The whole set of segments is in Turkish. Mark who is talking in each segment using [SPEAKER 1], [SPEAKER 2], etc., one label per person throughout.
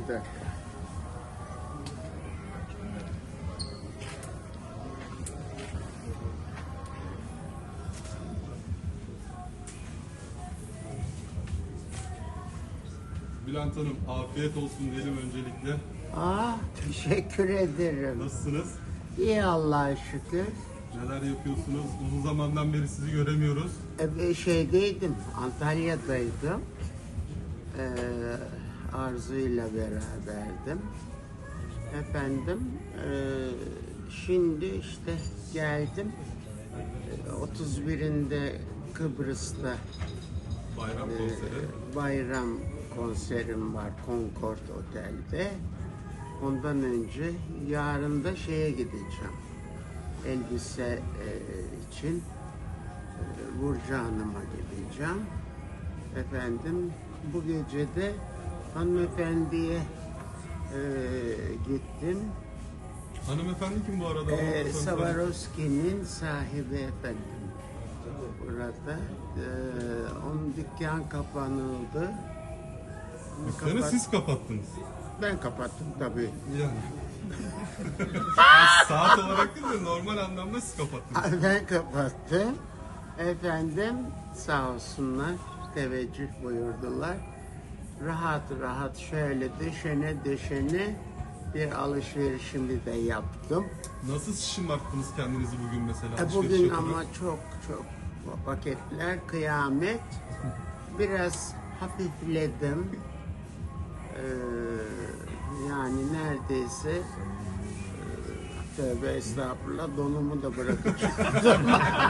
[SPEAKER 1] dakika.
[SPEAKER 2] Bülent Hanım, afiyet olsun diyelim öncelikle.
[SPEAKER 1] Teşekkür ederim.
[SPEAKER 2] Nasılsınız?
[SPEAKER 1] İyi Allah'a şükür.
[SPEAKER 2] Neler yapıyorsunuz? Uzun zamandan beri sizi göremiyoruz.
[SPEAKER 1] Şeydeydim, Antalya'daydım. Arzu'yla beraberdim. Efendim, şimdi işte geldim. 31'inde Kıbrıs'ta
[SPEAKER 2] Bayram konseri.
[SPEAKER 1] bayram konserim var Concord Otel'de. Ondan önce yarın da şeye gideceğim. Elbise için Burcu Hanım'a gideceğim. Efendim bu gece de hanımefendiye gittim.
[SPEAKER 2] Hanımefendi kim bu arada?
[SPEAKER 1] Swarovski'nin sahibi efendim. Burada onun dükkan kapanıldı.
[SPEAKER 2] Dükkanı siz kapattınız.
[SPEAKER 1] Ben kapattım tabii.
[SPEAKER 2] Yani. Saat olarak değil de normal anlamda siz kapattınız.
[SPEAKER 1] Ben kapattım. Efendim sağ olsunlar teveccüh buyurdular. Rahat rahat şöyle döşene bir alışverişimi de yaptım.
[SPEAKER 2] Nasıl şımarttınız kendinizi bugün mesela? alışveriş
[SPEAKER 1] Bugün
[SPEAKER 2] yaparak?
[SPEAKER 1] ama çok paketler kıyamet. Biraz hafifledim. Yani neredeyse tövbe estağfurullah donumu da bırakıp çıktım.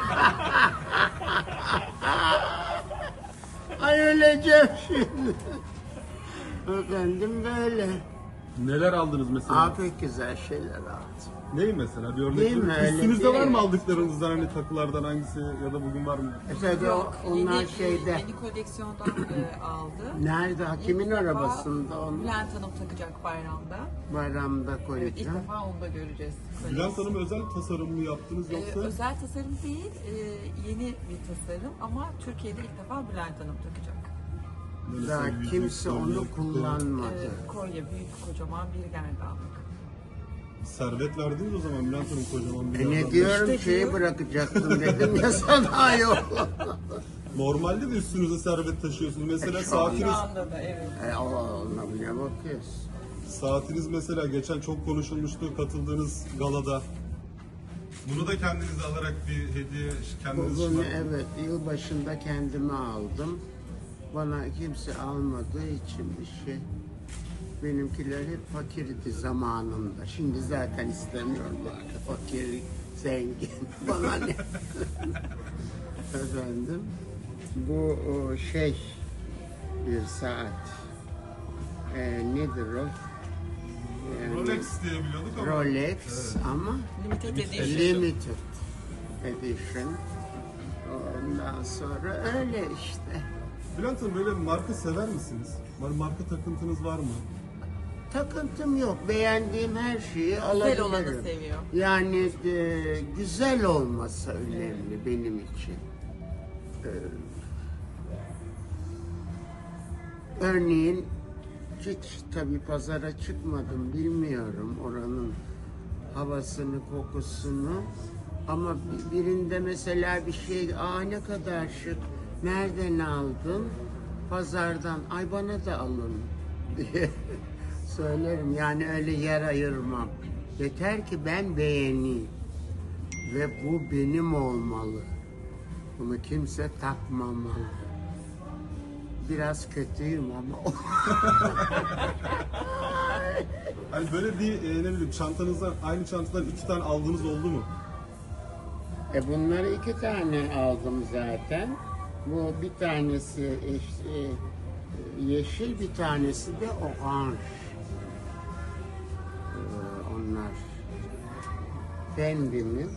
[SPEAKER 1] Ay öleceğim şimdi. Efendim böyle.
[SPEAKER 2] Neler aldınız mesela?
[SPEAKER 1] Pek güzel şeyler aldım.
[SPEAKER 2] Neyi mesela? Bir örnek
[SPEAKER 1] Değil mi?
[SPEAKER 2] verin.
[SPEAKER 1] Öyle
[SPEAKER 2] Üstünüzde
[SPEAKER 1] değil.
[SPEAKER 2] var mı aldıklarınızdan hani takılardan hangisi ya da bugün var mı?
[SPEAKER 1] Tabii onlar
[SPEAKER 3] yeni,
[SPEAKER 1] şeyde.
[SPEAKER 3] Yeni koleksiyondan aldı.
[SPEAKER 1] Nerede? Kimin
[SPEAKER 3] İlk defa
[SPEAKER 1] arabasında onu?
[SPEAKER 3] Bülent Hanım takacak bayramda.
[SPEAKER 1] Bayramda
[SPEAKER 3] Evet, ilk
[SPEAKER 1] koyacağım.
[SPEAKER 3] defa onu da göreceğiz.
[SPEAKER 2] Bülent Hanım özel tasarım mı yaptınız yoksa?
[SPEAKER 3] Özel tasarım değil, yeni bir tasarım ama Türkiye'de ilk defa Bülent Hanım takacak.
[SPEAKER 2] Böyle
[SPEAKER 1] Daha
[SPEAKER 2] sen yüzük,
[SPEAKER 1] kimse onu
[SPEAKER 2] kolye,
[SPEAKER 1] kullanmadı.
[SPEAKER 3] Kolye büyük, kocaman bir gerdanlık.
[SPEAKER 2] Servet verdiniz o zaman Bülent Hanım kocaman bir
[SPEAKER 1] Ne
[SPEAKER 2] yerden.
[SPEAKER 1] diyorum
[SPEAKER 3] İşte
[SPEAKER 1] şeyi
[SPEAKER 3] diyor.
[SPEAKER 1] bırakacaktım dedim ya sana yok.
[SPEAKER 2] Normalde de üstünüze servet taşıyorsunuz. Mesela
[SPEAKER 1] Şu anda-
[SPEAKER 2] saatiniz,
[SPEAKER 3] Şu anda da evet.
[SPEAKER 1] Allah'ına ne bakıyorsun?
[SPEAKER 2] saatiniz mesela geçen çok konuşulmuştu katıldığınız galada. Bunu da kendinize alarak bir hediye kendiniz için
[SPEAKER 1] Bugün
[SPEAKER 2] aldınız.
[SPEAKER 1] evet yılbaşında kendime aldım. Bana kimse almadığı için bir şey. Benimkiler hep fakirdi zamanında. Şimdi zaten istemiyorlar. Fakir, zengin. Bana ne? Efendim. Bu şey bir saat. Nedir o? Yani
[SPEAKER 2] Rolex diye biliyorduk ama.
[SPEAKER 1] Rolex
[SPEAKER 2] Evet.
[SPEAKER 1] ama
[SPEAKER 3] Limited edition.
[SPEAKER 1] limited edition. Ondan sonra öyle işte.
[SPEAKER 2] Bülent Hanım böyle bir marka sever misiniz? Marka takıntınız var mı?
[SPEAKER 1] Takıntım yok. Beğendiğim her şeyi
[SPEAKER 3] Güzel
[SPEAKER 1] alabilirim.
[SPEAKER 3] olanı seviyor.
[SPEAKER 1] Yani güzel olması önemli benim için. Örneğin hiç tabii pazara çıkmadım, bilmiyorum oranın havasını, kokusunu. Ama birinde mesela bir şey, ne kadar şık, nereden aldın? Pazardan, ay bana da alın diye söylerim. Yani öyle yer ayırmam. Yeter ki ben beğeneyim. Ve bu benim olmalı. Bunu kimse takmamalı. Biraz kötüyüm ama.
[SPEAKER 2] Hani böyle bir ne bileyim çantanızdan aynı çantadan 2 tane aldığınız oldu mu?
[SPEAKER 1] Bunları 2 tane aldım zaten. Bu bir tanesi yeşil, bir tanesi de oranj. Onlar Fendi'nin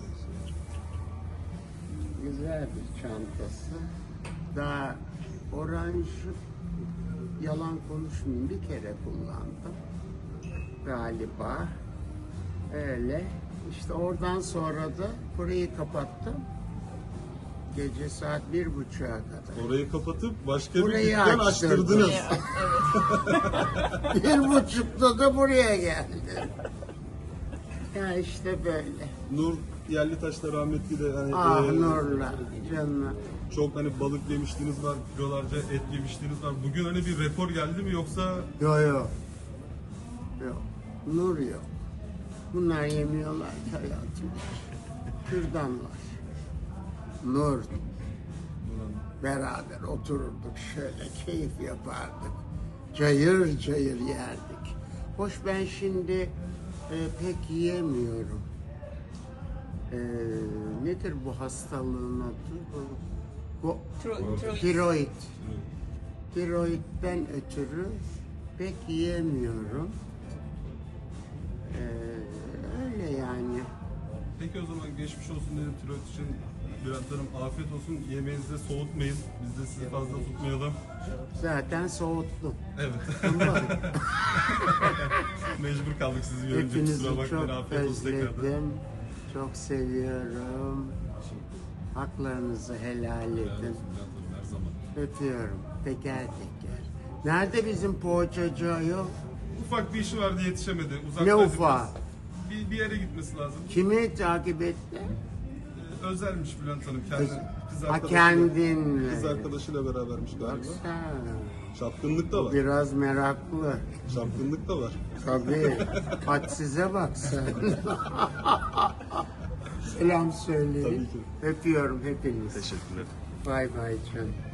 [SPEAKER 1] güzel bir çantası. Daha oranjı yalan konuşmayayım, bir kere kullandım galiba. Öyle. İşte oradan sonra da burayı kapattım. gece saat 1.30'a kadar.
[SPEAKER 2] Orayı kapatıp başka bir
[SPEAKER 1] Burayı
[SPEAKER 2] dükkan
[SPEAKER 1] açtırdım.
[SPEAKER 2] açtırdınız.
[SPEAKER 3] Evet.
[SPEAKER 1] 1.30'da da buraya geldi. Ya işte böyle.
[SPEAKER 2] Nur Yerlitaş da rahmetli de hani
[SPEAKER 1] Ah
[SPEAKER 2] e,
[SPEAKER 1] Nurla canım.
[SPEAKER 2] çok hani balık yemiştiniz var, kilolarca et yemiştiniz var. Bugün hani bir rekor geldi mi yoksa
[SPEAKER 1] Yok yok. Yok. Nur yok. Bunlar yemiyorlar ki hayatım. Kürdan var. Nur. Beraber otururduk şöyle keyif yapardık. Cayır cayır yerdik. Hoş ben şimdi pek yiyemiyorum. Nedir bu hastalığın adı? Bu tiroid. Tiroidden ötürü pek yiyemiyorum. Öyle yani.
[SPEAKER 2] peki o zaman geçmiş olsun dedim tiroid için Bülent Hanım afiyet olsun. Yemeğinizi de soğutmayın. Biz de sizi fazla tutmayalım.
[SPEAKER 1] Zaten soğuttum.
[SPEAKER 2] Evet.
[SPEAKER 1] Ama
[SPEAKER 2] Mecbur kaldık sizi görünce.
[SPEAKER 1] hepinizi
[SPEAKER 2] Kusura bakmayın.
[SPEAKER 1] çok
[SPEAKER 2] Afiyet olsun tekrardan.
[SPEAKER 1] özledim. Çok seviyorum. Haklarınızı helal edin.
[SPEAKER 2] Her zaman.
[SPEAKER 1] Öpüyorum. Teker teker. Nerede bizim poğaçacı ayol?
[SPEAKER 2] Ufak bir işi vardı yetişemedi. Uzaktaydı
[SPEAKER 1] Ne
[SPEAKER 2] biraz.
[SPEAKER 1] ufağı?
[SPEAKER 2] Bir yere gitmesi lazım.
[SPEAKER 1] Kimi takip etti?
[SPEAKER 2] Özelmiş Bülent Hanım. Kendi kız
[SPEAKER 1] Ha
[SPEAKER 2] arkadaşıyla,
[SPEAKER 1] kendinle.
[SPEAKER 2] kız arkadaşıyla berabermiş
[SPEAKER 1] Bak
[SPEAKER 2] galiba.
[SPEAKER 1] sen.
[SPEAKER 2] Çapkınlık da var.
[SPEAKER 1] Biraz meraklı.
[SPEAKER 2] Çapkınlık da var.
[SPEAKER 1] Tabii. Hadsize bak sen. Selam söyleyin.
[SPEAKER 2] Tabii ki.
[SPEAKER 1] Öpüyorum hepinizi.
[SPEAKER 2] Teşekkürler.
[SPEAKER 1] Bay bay canım.